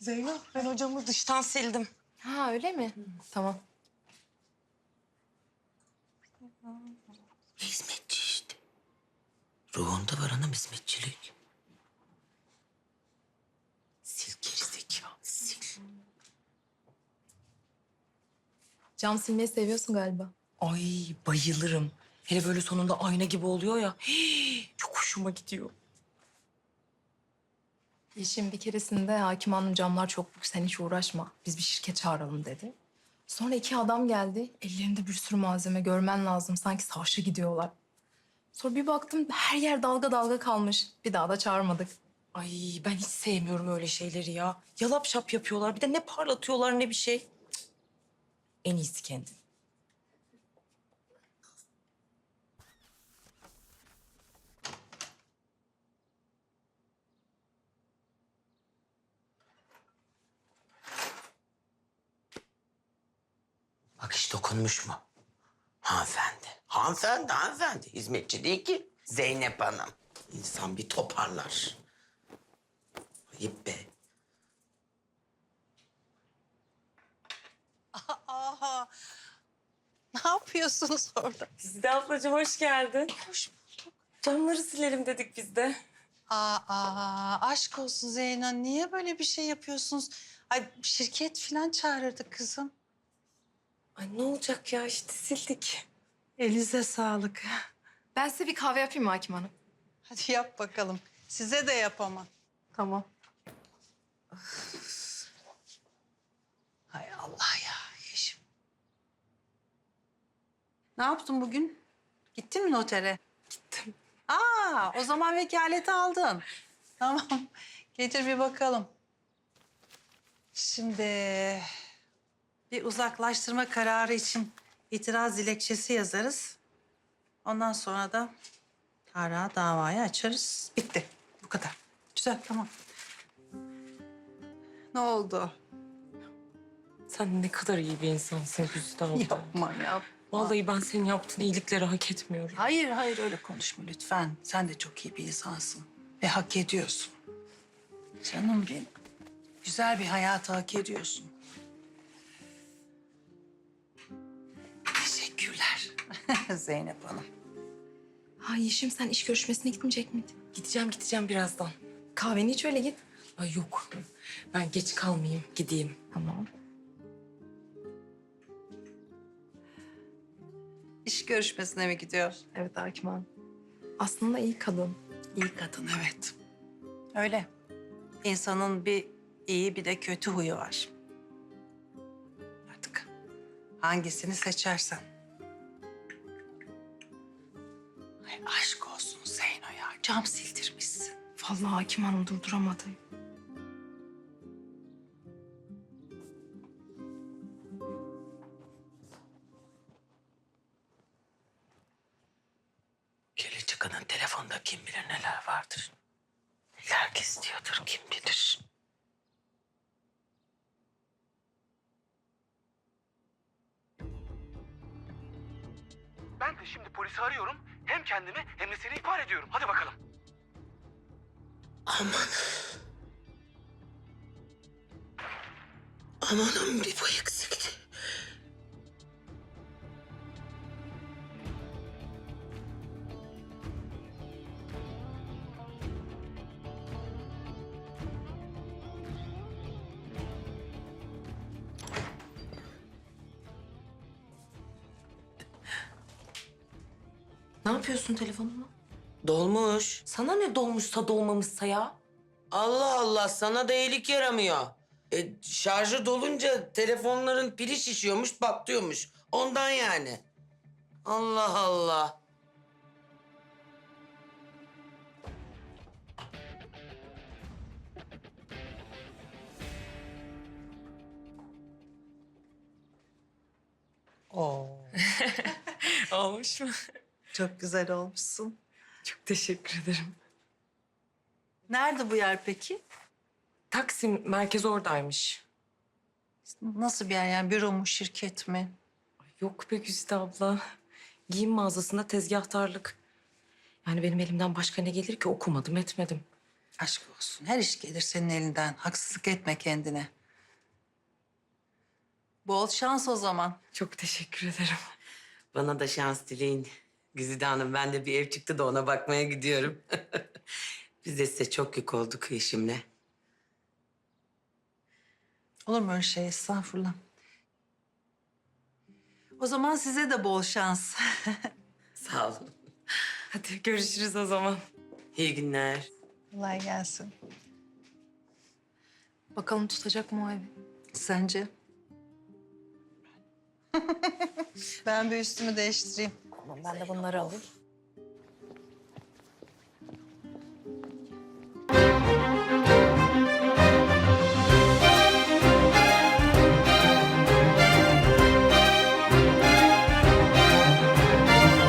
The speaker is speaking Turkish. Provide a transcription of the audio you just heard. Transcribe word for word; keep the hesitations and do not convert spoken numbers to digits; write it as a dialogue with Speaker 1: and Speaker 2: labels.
Speaker 1: Zeynep, ben hocamı dıştan sildim.
Speaker 2: Ha öyle mi? Hı. Tamam.
Speaker 3: Hizmetçi işte. Ruhunda var anam hizmetçilik. Sil gerizekalı, sil.
Speaker 2: Cam silmeyi seviyorsun galiba.
Speaker 1: Ay bayılırım. Hele böyle sonunda ayna gibi oluyor ya. Hii, çok hoşuma gidiyor.
Speaker 2: Yeşim bir keresinde Hakim Hanım camlar çok büyük sen hiç uğraşma. Biz bir şirket çağıralım dedi. Sonra iki adam geldi. Ellerinde bir sürü malzeme görmen lazım. Sanki savaşa gidiyorlar. Sonra bir baktım her yer dalga dalga kalmış. Bir daha da çağırmadık.
Speaker 1: Ay ben hiç sevmiyorum öyle şeyleri ya. Yalap şap yapıyorlar. Bir de ne parlatıyorlar ne bir şey. Cık. En iyisi kendin.
Speaker 3: Bak hiç dokunmuş mu? Hanımefendi. Hanımefendi, hanımefendi. Hizmetçi değil ki. Zeynep Hanım. İnsan bir toparlar. Ayıp be.
Speaker 4: Aha. Ne yapıyorsunuz orada?
Speaker 1: Sizde ablacığım hoş geldin.
Speaker 4: Hoş bulduk.
Speaker 1: Camları silelim dedik biz de.
Speaker 4: Aa, aa, aşk olsun Zeyno. Niye böyle bir şey yapıyorsunuz? Ay şirket falan çağırırdı kızım.
Speaker 1: Ay ne olacak ya işte sildik.
Speaker 4: Elinize sağlık.
Speaker 2: Ben size bir kahve yapayım mı Hakim Hanım?
Speaker 4: Hadi yap bakalım. Size de yapamam.
Speaker 2: Tamam.
Speaker 4: Hay Allah ya Yeşim. Ne yaptın bugün? Gittin mi notere?
Speaker 1: Gittim.
Speaker 4: Aa, o zaman vekaleti aldın. Tamam. Getir bir bakalım. Şimdi bir uzaklaştırma kararı için itiraz dilekçesi yazarız. Ondan sonra da Tarık'a davayı açarız. Bitti. Bu kadar. Güzel, tamam. Ne oldu?
Speaker 1: Sen ne kadar iyi bir insansın Güzide abla.
Speaker 4: Yapma ya.
Speaker 1: Vallahi ben senin yaptığın iyilikleri hak etmiyorum.
Speaker 4: Hayır, hayır öyle konuşma lütfen. Sen de çok iyi bir insansın ve hak ediyorsun. Canım benim. Güzel bir hayatı hak ediyorsun. Teşekkürler Zeynep Hanım.
Speaker 2: Ha Yeşim sen iş görüşmesine gitmeyecek miydin?
Speaker 1: Gideceğim gideceğim birazdan.
Speaker 2: Kahveni iç öyle git.
Speaker 1: Ay yok. Ben geç kalmayayım. Gideyim.
Speaker 2: Tamam.
Speaker 4: İş görüşmesine mi gidiyor?
Speaker 2: Evet Hakim Hanım. Aslında iyi kadın.
Speaker 4: İyi kadın, evet. Öyle. İnsanın bir iyi bir de kötü huyu var. Artık hangisini seçersen. Ay aşk olsun Zeyno ya. Cam sildirmişsin.
Speaker 2: Vallahi Hakim Hanım durduramadı.
Speaker 3: Kirli çıkanın telefonda kim bilir neler vardır. Neler gizliyordur kim bilir.
Speaker 5: Ben de şimdi polisi arıyorum. Hem kendimi hem de seni ihbar ediyorum. Hadi bakalım.
Speaker 3: Aman. Amanım bir bu eksikti.
Speaker 1: Ne yapıyorsun telefonuma?
Speaker 3: Dolmuş.
Speaker 1: Sana ne dolmuşsa dolmamışsa ya?
Speaker 3: Allah Allah sana da iyilik yaramıyor. E, şarjı dolunca telefonların pili şişiyormuş, patlıyormuş. Ondan yani. Allah Allah.
Speaker 4: Oo.
Speaker 1: Olmuş mu?
Speaker 4: Çok güzel olmuşsun.
Speaker 1: Çok teşekkür ederim.
Speaker 4: Nerede bu yer peki?
Speaker 1: Taksim merkez oradaymış.
Speaker 4: Nasıl bir yer yani? Büro mu, şirket mi?
Speaker 1: Ay yok be Güzide abla. Giyim mağazasında tezgahtarlık. Yani benim elimden başka ne gelir ki okumadım etmedim.
Speaker 4: Aşk olsun. Her iş gelir senin elinden. Haksızlık etme kendine. Bol şans o zaman.
Speaker 1: Çok teşekkür ederim.
Speaker 3: Bana da şans dileyin. Güzide Hanım, ben de bir ev çıktı da ona bakmaya gidiyorum. Biz de size çok yük olduk eşimle.
Speaker 4: Olur mu öyle şey? Estağfurullah. O zaman size de bol şans.
Speaker 3: Sağ olun.
Speaker 1: Hadi görüşürüz o zaman.
Speaker 3: İyi günler.
Speaker 4: Kolay gelsin.
Speaker 2: Bakalım tutacak mı o evi?
Speaker 4: Sence? Ben bir üstümü değiştireyim.
Speaker 2: Tamam ben de bunları alayım.